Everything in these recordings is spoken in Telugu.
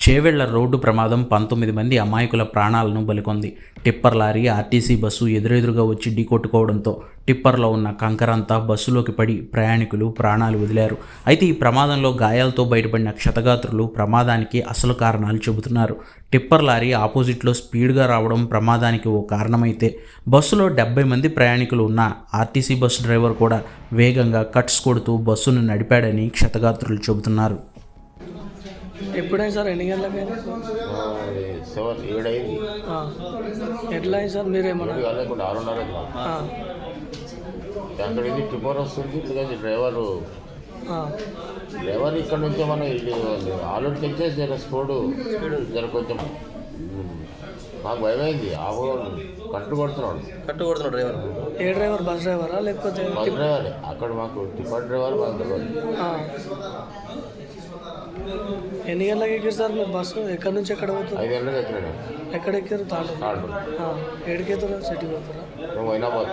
చేవెళ్ల రోడ్డు ప్రమాదం 19 మంది అమాయకుల ప్రాణాలను బలికొంది. టిప్పర్ లారీ ఆర్టీసీ బస్సు ఎదురెదురుగా వచ్చి ఢీకొట్టుకోవడంతో టిప్పర్లో ఉన్న కంకరంతా బస్సులోకి పడి ప్రయాణికులు ప్రాణాలు వదిలారు. అయితే ఈ ప్రమాదంలో గాయాలతో బయటపడిన క్షతగాత్రులు ప్రమాదానికి అసలు కారణాలు చెబుతున్నారు. టిప్పర్ లారీ ఆపోజిట్లో స్పీడ్గా రావడం ప్రమాదానికి ఓ కారణమైతే బస్సులో 70 మంది ప్రయాణికులు ఉన్న ఆర్టీసీ బస్సు డ్రైవర్ కూడా వేగంగా కట్స్ కొడుతూ బస్సును నడిపాడని క్షతగాత్రులు చెబుతున్నారు. ఎప్పుడైంది సార్? ఎన్ని గంటలకి? 7 అయింది. ఎట్లా అయింది సార్? మీరేమన్నా 6:30 అక్కడ ఇది టిప్పర్ వస్తుంది. డ్రైవర్ ఇక్కడ నుంచి మనం ఆల్రెడీ తెచ్చేసి స్పీడ్ కొంచెం మాకు భయమైంది. కట్టు కొడుతున్నాడు డ్రైవర్. ఏ డ్రైవర్? బస్ డ్రైవరా లేకపోతే? Bus driver. అక్కడ మాకు టిప్పర్ డ్రైవర్ మాకు తెలియదు. ఎన్ని గంటలకి ఎక్కారు సార్ మీరు బస్సు? ఎక్కడి నుంచి ఎక్కడ పోతారు? 5 గంటలకు ఎక్కినాడు. ఎక్కడ ఎక్కారు? తాండూరు. ఏడికి ఎత్తారా? సిటీ పోతారా? మైనాబాద్.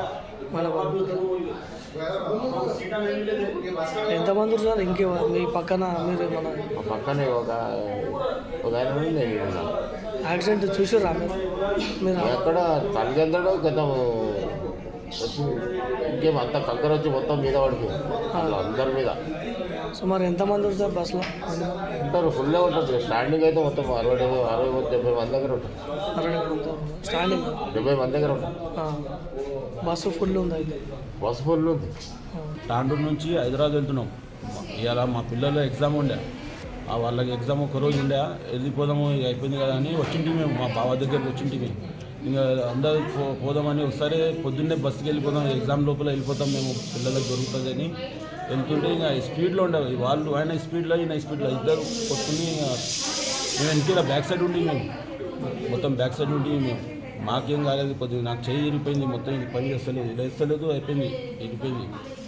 ఎంతమంది సార్? ఇంకే మీ పక్కన మీరు మన పక్కనే ఒక ఆయన ఉంది. యాక్సిడెంట్ చూసారా మీరు? ఎక్కడ తల్లిదండ్రులు గతం ఇంకేం అంత కంకర వచ్చి మొత్తం మీద పడిపోయింది అందరి మీద. సుమారు ఎంతమంది ఉంటారు బస్సులో? ఉంటారు, ఫుల్లే ఉంటుంది. స్టాండింగ్ అయితే మొత్తం 60-70 మంది దగ్గర ఉంటుంది. స్టాండింగ్ 70 మంది దగ్గర ఉంటుంది. బస్సు ఫుల్ ఉంది. అయితే బస్సు ఫుల్ ఉంది. తాండూరు నుంచి హైదరాబాద్ వెళ్తున్నాం. ఇవాళ మా పిల్లల ఎగ్జామ్ ఉండే, వాళ్ళకి ఎగ్జామ్ ఒకరోజు ఉండే, వెళ్ళిపోదాము అయిపోయింది కదా అని వచ్చింటి మేము. మా బావ దగ్గరికి వచ్చింటి మేము. ఇంకా అందరూ పోదామని ఒకసారి పొద్దున్నే బస్సుకి వెళ్ళిపోదాం, ఎగ్జామ్ లోపల వెళ్ళిపోతాం మేము, పిల్లలకు దొరుకుతుంది అని వెళ్తుంటే ఇంకా స్పీడ్లో ఉండేవి వాళ్ళు. ఆయన స్పీడ్లో ఈయన స్పీడ్లో ఇద్దరు కొట్టుకుని మేము వెనకాల బ్యాక్ సైడ్ ఉండి మేము మొత్తం బ్యాక్ సైడ్ ఉండి మేము మాకేం కాలేదు. కొద్దిగా నాకు చేయి ఇరిపోయింది మొత్తం. ఇది పని చేస్తలేదు, ఇది వేస్తలేదు, అయిపోయింది, ఇరిపోయింది.